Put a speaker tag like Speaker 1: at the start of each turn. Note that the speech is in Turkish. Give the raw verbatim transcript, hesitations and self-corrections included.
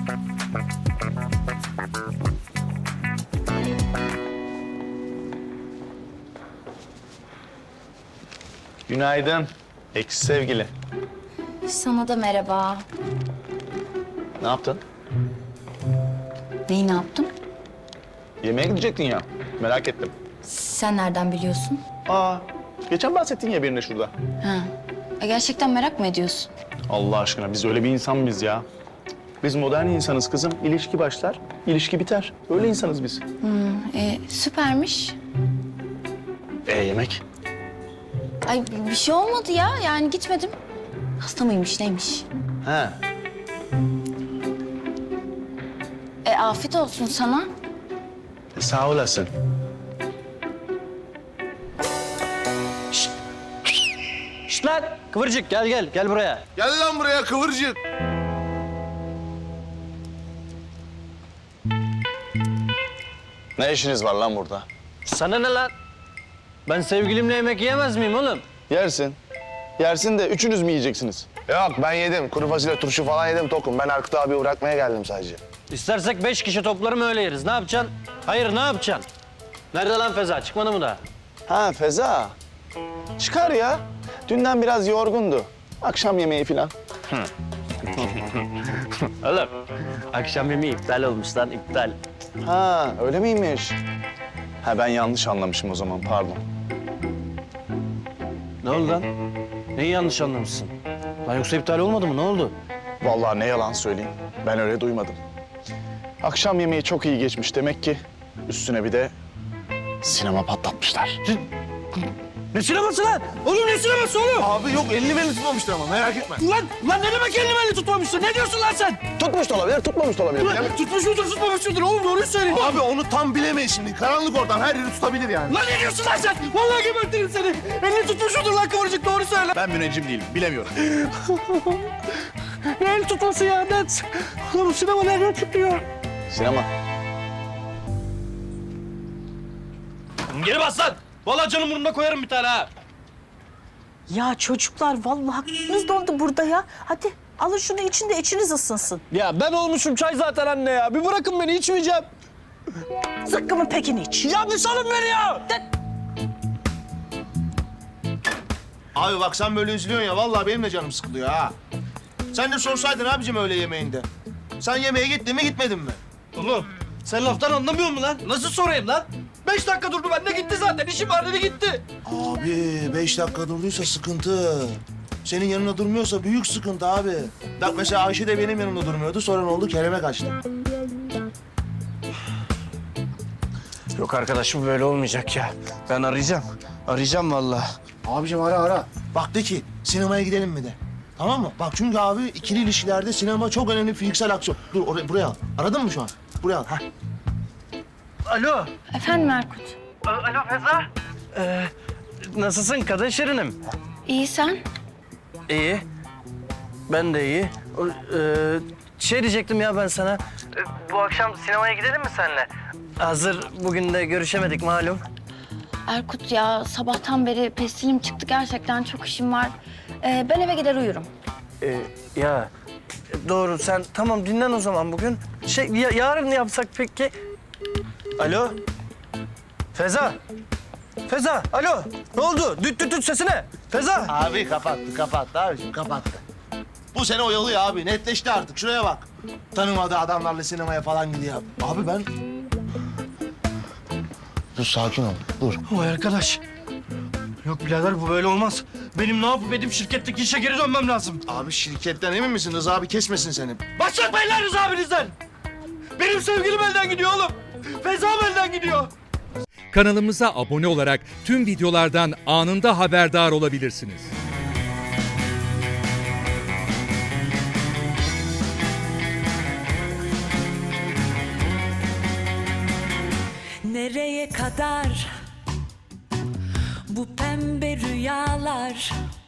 Speaker 1: Günaydın. Eksi sevgili.
Speaker 2: Sana da merhaba.
Speaker 1: Ne yaptın?
Speaker 2: Neyi ne yaptım?
Speaker 1: Yemeğe gidecektin ya. Merak ettim.
Speaker 2: Sen nereden biliyorsun?
Speaker 1: Aa, geçen bahsettin ya birine şurada.
Speaker 2: Ha. E, gerçekten merak mı ediyorsun?
Speaker 1: Allah aşkına biz öyle bir insan mıyız ya? Biz modern insanız kızım. İlişki başlar, ilişki biter. Öyle insanız biz.
Speaker 2: E, süpermiş.
Speaker 1: E yemek?
Speaker 2: Ay bir şey olmadı ya. Yani gitmedim. Hasta mıymış neymiş?
Speaker 1: He.
Speaker 2: E afiyet olsun sana.
Speaker 1: E, sağ olasın.
Speaker 3: Şşt lan! Kıvırcık gel gel, gel buraya.
Speaker 4: Gel lan buraya kıvırcık.
Speaker 1: Ne işiniz var lan burada?
Speaker 3: Sana ne lan? Ben sevgilimle yemek yiyemez miyim oğlum?
Speaker 1: Yersin. Yersin de üçünüz mü yiyeceksiniz?
Speaker 4: Yok ben yedim. Kuru fasulye turşu falan yedim tokum. Ben Erkut abi bırakmaya geldim sadece.
Speaker 3: İstersek beş kişi toplarım öyle yeriz. Ne yapacaksın? Hayır ne yapacaksın? Nerede lan Feza? Çıkmadı mı daha?
Speaker 1: Ha Feza. Çıkar ya. Dünden biraz yorgundu. Akşam yemeği falan.
Speaker 3: Oğlum akşam yemeği iptal olmuş lan iptal.
Speaker 1: Ha öyle miymiş? Ha ben yanlış anlamışım o zaman pardon.
Speaker 3: Ne oldu lan? Neyi yanlış anlamışsın? Lan yoksa iptal olmadı mı? Ne oldu?
Speaker 1: Vallahi ne yalan söyleyeyim. Ben öyle duymadım. Akşam yemeği çok iyi geçmiş demek ki. Üstüne bir de sinema patlatmışlar.
Speaker 3: Ne sineması lan? Oğlum ne sineması oğlum?
Speaker 4: Abi yok elini belini tutmamıştır ama merak etme.
Speaker 3: Lan, lan ne demek elini belini tutmamışsın? Ne diyorsun lan sen?
Speaker 1: Tutmuş da olabilir, tutmamış da olabilir.
Speaker 3: Lan tutmuş mudur, tutmamış mıdır? Oğlum doğruyu söyle.
Speaker 4: Abi onu tam bilemeyiz şimdi. Karanlık oradan her yeri tutabilir yani.
Speaker 3: Lan ne diyorsun lan sen? Vallahi gebertirim seni. Elini tutmuş mudur lan Kıvırcık? Doğru söyle.
Speaker 1: Ben müneccim değilim, bilemiyorum.
Speaker 3: Ne el tutması ya? Ne? Oğlum bu sinema nereden çıkıyor?
Speaker 1: Sinema.
Speaker 3: Geri bas lan. Vallahi canım burnuna koyarım bir tane ha.
Speaker 5: Ya çocuklar vallahi aklınız dondu burada ya. Hadi alın şunu için de içiniz ısınsın.
Speaker 3: Ya ben olmuşum çay zaten anne ya. Bir bırakın beni içmeyeceğim.
Speaker 5: Zıkkımın pekini iç.
Speaker 3: Ya bir salın beni ya.
Speaker 4: Abi bak sen böyle üzülüyorsun ya. Vallahi benim de canım sıkılıyor ha. Sen de sorsaydın abicim öyle yemeğinde. Sen yemeğe gittin mi gitmedin mi?
Speaker 3: Oğlum sen laftan anlamıyor musun lan? Nasıl sorayım lan? Beş dakika durdu bende gitti zaten. İşim var dedi gitti.
Speaker 4: Abi beş dakika durduysa sıkıntı. Senin yanında durmuyorsa büyük sıkıntı abi. Bak mesela Ayşe de benim yanımda durmuyordu. Sonra ne oldu? Kerem'e kaçtı.
Speaker 3: Yok arkadaşım böyle olmayacak ya. Ben arayacağım. Arayacağım vallahi.
Speaker 4: Abicim ara ara. Bak de ki sinemaya gidelim mi de. Tamam mı? Bak çünkü abi ikili ilişkilerde sinema çok önemli fiziksel aksiyon. Dur oraya, buraya al. Aradın mı şu an? Buraya al. Heh.
Speaker 3: Alo.
Speaker 2: Efendim Erkut.
Speaker 3: Alo Feza. Ee, nasılsın kadın şirinim?
Speaker 2: İyi sen?
Speaker 3: İyi. Ben de iyi. O, Ee, şey diyecektim ya ben sana. Bu akşam sinemaya gidelim mi seninle? Hazır bugün de görüşemedik malum.
Speaker 2: Erkut ya sabahtan beri pestilim çıktı. Gerçekten çok işim var. E, ben eve gider uyurum.
Speaker 3: Ee, ya doğru sen tamam dinlen o zaman bugün. Şey ya, yarın yapsak peki? Alo. Feza. Feza. Alo. Ne oldu? Düt düt düt sesine. Feza.
Speaker 4: Abi kapattı, kapattı abiciğim, kapattı. Bu sene oyalıyor abi, netleşti artık. Şuraya bak. Tanımadığı adamlarla sinemaya falan gidiyor. Abi ben... Dur sakin ol, dur.
Speaker 3: Vay arkadaş. Yok birader bu böyle olmaz. Benim ne yapıp edip şirketteki işe geri dönmem lazım.
Speaker 4: Abi şirketten emin misin? Rıza abi kesmesin seni.
Speaker 3: Başlatmayın lan Rıza abinizden. Benim sevgilim elden gidiyor oğlum. Feza'm elden gidiyor.
Speaker 6: Kanalımıza abone olarak tüm videolardan anında haberdar olabilirsiniz.
Speaker 7: Nereye kadar bu pembe rüyalar?